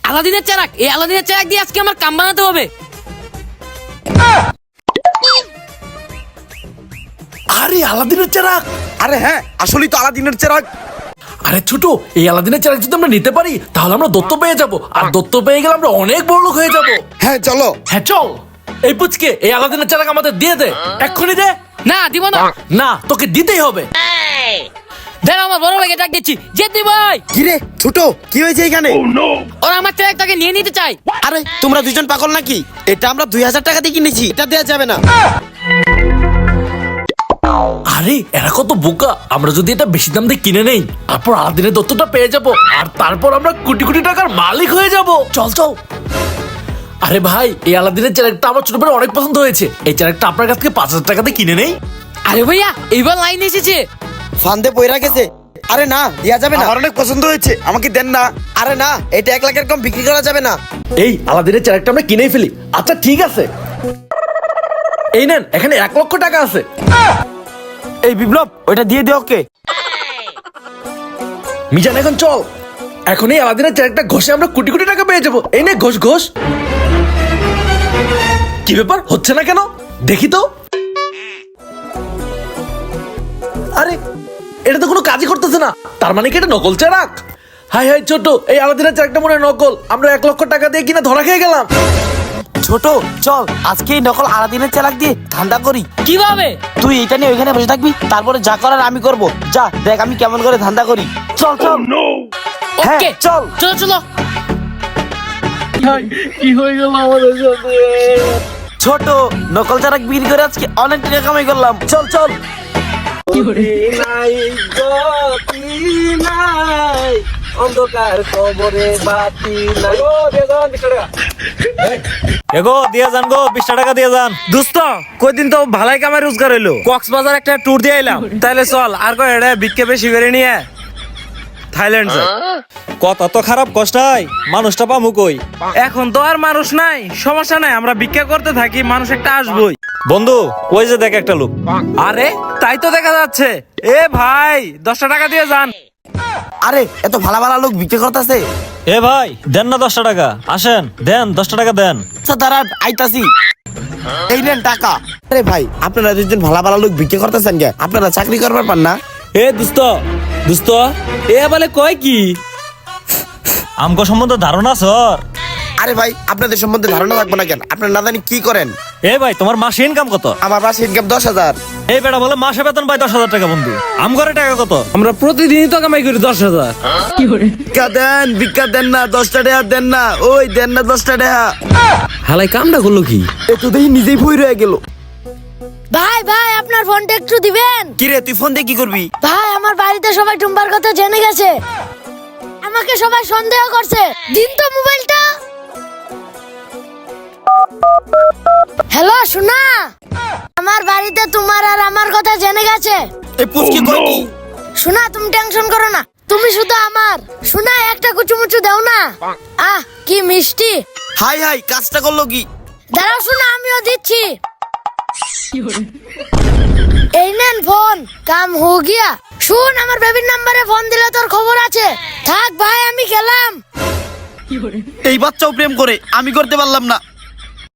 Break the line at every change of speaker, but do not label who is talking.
আলাদিনের চেরাক, এই আলাদিনের চেরাক দিয়ে আজকে আমার কাম বানাতে হবে।
আরে আলাদিনের চেরাক!
আরে হ্যাঁ, আসলেই তো আলাদিনের চেরাক।
আরে ছোট, এই আলাদিনের চেরাক যদি আমরা নিতে পারি তাহলে আমরা দত্ত পেয়ে যাব, আর দত্ত পেয়ে গেলে আমরা অনেক বড় লোক হয়ে যাব।
হ্যাঁ চলো।
হ্যাঁ চল। এই পুচকে, এই আলাদিনের চেরাক আমাদের দিয়ে দে, এক্ষুনি দে।
না দিব না।
না, তোকে দিতেই হবে।
দাঁড়া, আমার বড় ভাইকে ডাক দিচ্ছি। জেদি ভাই,
কিরে ছোট, কি হয়েছে এখানে?
ওরা আমার চেরাকটাকে নিয়ে নিতে চাই।
আরে তোমরা দুজন পাগল নাকি? এটা আমরা 2000 টাকা দিয়ে কিনেছি, এটা দেওয়া যাবে না।
আরে এরা কত বোকা, আমরা যদি এটা বেশি দাম দিয়ে কিনে নেই, তারপর আলাদিনের দত্তটা পেয়ে যাব, আর তারপর আমরা কোটি কোটি টাকার মালিক হয়ে যাব। চল চল। আরে ভাই, এই আলাদিনের চেরাকটা আমার ছোটবেলায় অনেক পছন্দ হয়েছে, এই চেরাকটা আপনার কাছ থেকে 5000 টাকাতে কিনে নেই।
আরে ভাইয়া, এইবার লাইন এসেছে।
ফান্দে পয়রা গেছে। আরে না, দেওয়া যাবে না। আমার অনেক পছন্দ হয়েছে, আমাকে দেন না। আরে না, এটা 1 লাখের কম বিক্রি করা যাবে না।
এই আলাদিনের চেরাকটা আমরা কিনেই ফেলি। আচ্ছা ঠিক আছে, এই নেন, এখানে 1 লক্ষ টাকা আছে।
এই বিপ্লব, ওইটা দিয়ে দে ওকে।
মিজান এখন চল, এখন এই আলাদিনের চেরাকটা ঘষে আমরা কোটি কোটি টাকা পেয়ে যাবো। এই নে ঘষ ঘষ। কি ব্যাপার, হচ্ছে না কেন? দেখি তো। আরে এটা তো কোনো কাজই করতেছে না, তার মানে কি এটা নকল চেরাক? হাই হাই ছোট, এই আলাদিনের চেরাকটা মনে হয় নকল। আমরা 1 লক্ষ টাকা দিয়ে কিনা ধরা খেয়ে গেলাম।
ছোট চল, আজকে এই নকল আলাদিনের চেরাক দিয়ে ধান্দা করি।
কিভাবে?
তুই এটা নিয়ে ওইখানে বসে থাকবি, তারপরে যা করার আমি করব। যা দেখ আমি কেমন করে ধান্দা করি। চল চল। হ্যাঁ
ওকে
চল।
চলো চলো।
ছোট, নকল চেরাক বিক্রি করে আজকে অনেক টাকা কামাই করলাম। চল চল। অন্ধকার কবরে বাতি নাই।
এগো দিয়ে যান গো, 20 টাকা দিয়ে যান। দোস্ত কয়দিন তো ভালাই কামাই রোজগার হইলো, কক্সবাজার একটা ট্যুর দিয়ে এলাম, তাইলে চল আর কয় এটা ভিক্ষে বেশি করে নিয়ে থাইল্যান্ড যাই। কথা তো খারাপ কষ্টাই, মানুষটা পামু কই? এখন তো আর মানুষ নাই, সমস্যা নাই, আমরা ভিক্ষা করতে থাকি, মানুষ একটা আসবই। বন্ধু ওই যে দেখ একটা লোক। আরে তাই তো দেখা যাচ্ছে। এ ভাই 10 টাকা দিয়ে যান।
আরে এত ভালো ভালো লোক বিক্রি করতেছে।
এ ভাই দেন না 10 টাকা, আসেন দেন 10 টাকা দেন।
আচ্ছা দাঁড়া, আইতাছি। এই নেন টাকা। আরে ভাই, আপনারা দুজন ভালো ভালো লোক বিক্রি করতেছেন কে? আপনারা চাকরি করবার পান না?
এ দোস্ত দোস্ত, এ বলে কয় কি আমগো সম্বন্ধে ধারণা সর?
আরে ভাই, আপনাদের সম্বন্ধে ধারণা থাকবো না কেন? আপনারা না জানি কি করেন?
এ ভাই তোমার মাসে ইনকাম কত?
আমার মাসে ইনকাম 10,000।
এই বেটা বলে মাসে বেতন পাই 10,000 টাকা। বন্ধু আমগরে টাকা কত?
আমরা প্রতিদিনই তো কামাই করি 10,000।
ভিক্ষা দেন, ভিক্ষা দেন না, 10টা টাকা দেন না। ওই দেন না 10টা টাকা।
হালাই কামটা করলো কি?
একটু দেখি নিজেই ভুই রয়ে গেল।
ভাই ভাই, আপনার ফোনটা একটু দিবেন?
কিরে তুই ফোন দিয়ে কি করবি?
ভাই, আমার বাড়িতে সবাই টুম্বার কথা জেনে গেছে, আমাকে সবাই সন্দেহ করছে। দিন তো মোবাইলটা। হ্যালো সোনা, আমার বাড়িতে তোমার আর আমার কথা জেনে গেছে।
এই পুচকি কই কি?
সোনা তুমি টেনশন করো না, তুমি শুধু আমার। সোনা একটা কুচুমুচু দাও না। আহ কি মিষ্টি।
হাই হাই, কাজটা করলো কি?
দাঁড়াও সোনা, আমিও দিচ্ছি। এই নেন ফোন, কাম হো গিয়া। শুন, আমার বেবির নাম্বারে ফোন দিলে তোর খবর আছে। থাক ভাই, আমি গেলাম।
এই বাচ্চাও প্রেম করে, আমি করতে পারলাম না।